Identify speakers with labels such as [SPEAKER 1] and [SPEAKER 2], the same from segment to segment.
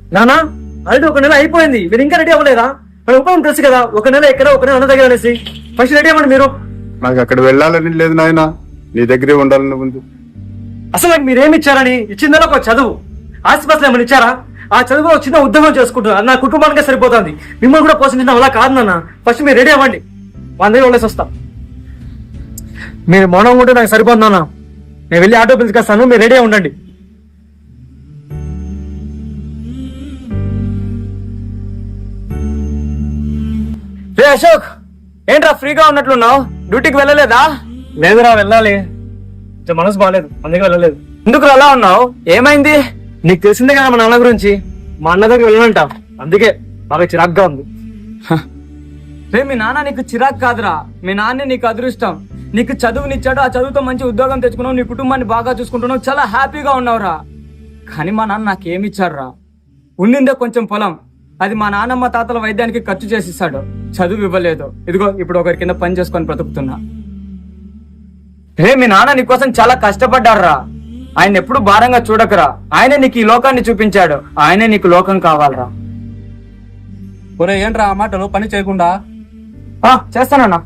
[SPEAKER 1] నానా ఆల్రెడీ ఒక నెల అయిపోయింది, మీరు ఇంకా రెడీ అవ్వలేదా? మన ఉపయోగం తెలుసు కదా, ఒక నెల ఎక్కడ ఒక నెల అన్న దగ్గర అనేసి. ఫస్ట్ రెడీ అవ్వండి మీరు.
[SPEAKER 2] నాకు అక్కడ వెళ్ళాలని లేదు నాయన, నీ దగ్గరే ఉండాలని ఉంది.
[SPEAKER 1] అసలు నాకు మీరేమి ఇచ్చారని? ఇచ్చిందలో ఒక చదువు, ఆస్తిపాస్తులు ఏమైనా ఇచ్చారా? ఆ చదువు చిన్న ఉద్యోగం చేసుకుంటున్నారు, నా కుటుంబానికే సరిపోతుంది. మిమ్మల్ని కూడా పోషించడం అలా కాదు నాన్న. ఫస్ట్ మీరు రెడీ అవ్వండి, మన దగ్గర వెళ్ళేసి వస్తాం. మీరు మౌనంగా ఉంటే నాకు సరిపోతుంది నాన్న. నేను వెళ్ళి ఆటో పిలుచుకొస్తాను, మీరు రెడీ ఉండండి. రే అశోక్, ఏంట్రా ఫ్రీగా ఉన్నట్లున్నావు? డ్యూటీకి వెళ్ళలేదా? లేదురా, వెళ్ళాలి. మనసు బాగాలేదు, అందుకే వెళ్ళలేదు. ఎందుకు అలా ఉన్నావు? ఏమైంది? నీకు తెలిసిందే కదా మా నాన్న గురించి. మా అన్న దగ్గర వెళ్ళనంట, అందుకే బాగా చిరాగ్గా ఉంది.
[SPEAKER 3] రే మీ నాన్న నీకు చిరాకు కాదురా, మీ నాన్నే నీకు అదృష్టం. నీకు చదువునిచ్చాడు, ఆ చదువుతో మంచి ఉద్యోగం తెచ్చుకున్నావు, నీ కుటుంబాన్ని బాగా చూసుకుంటున్నావు, చాలా హ్యాపీగా ఉన్నావురా. కానీ మా నాన్న నాకేమిచ్చాడురా? ఉండిందే కొంచెం పొలం, అది మా నాన్నమ్మ తాతల వైద్యానికి ఖర్చు చేసిస్తాడు, చదువు ఇవ్వలేదు. ఇదిగో ఇప్పుడు ఒకరి కింద పని చేసుకొని బ్రతుకుతున్నా. రే మీ నాన్న నీకోసం చాలా కష్టపడ్డారా, ఆయన ఎప్పుడు భారంగా చూడకరా. ఆయనే నీకు ఈ లోకాన్ని చూపించాడు, ఆయనే నీకు లోకం కావాలరా.
[SPEAKER 4] ఒరే ఏంట్రా ఆ మాటలు, పని చేయకుండా?
[SPEAKER 3] చేస్తానన్నా.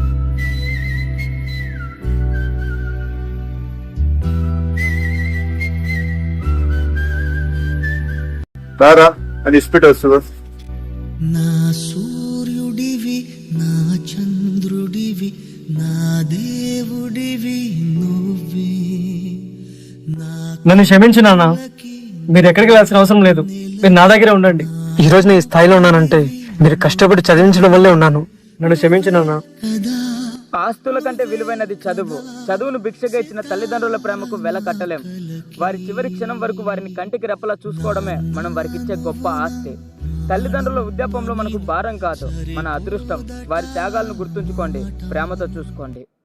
[SPEAKER 2] రారా అని ఇస్పిట్ వస్తుంది.
[SPEAKER 5] నా సూర్యుడివి, నా చంద్రుడివి, నా దేవుడివి నువ్వే.
[SPEAKER 1] నన్ను క్షమించు నాన్న, మీరు ఎక్కడికి వెళ్ళాల్సిన అవసరం లేదు. మీరు నా దగ్గరే ఉండండి. ఈ రోజు నేను ఈ స్థాయిలో ఉన్నానంటే మీరు కష్టపడి చదివించడం వల్లే ఉన్నాను. నన్ను క్షమించు నాన్న.
[SPEAKER 3] ఆస్తుల కంటే విలువైనది చదువు. చదువును భిక్షగా ఇచ్చిన తల్లిదండ్రుల ప్రేమకు వెల కట్టలేం. వారి చివరి క్షణం వరకు వారిని కంటికి రెప్పలా చూసుకోవడమే మనం వారికి ఇచ్చే గొప్ప ఆస్తి. తల్లిదండ్రుల వృద్ధాపంలో మనకు భారం కాదు, మన అదృష్టం. వారి త్యాగాలను గుర్తుంచుకోండి, ప్రేమతో చూసుకోండి.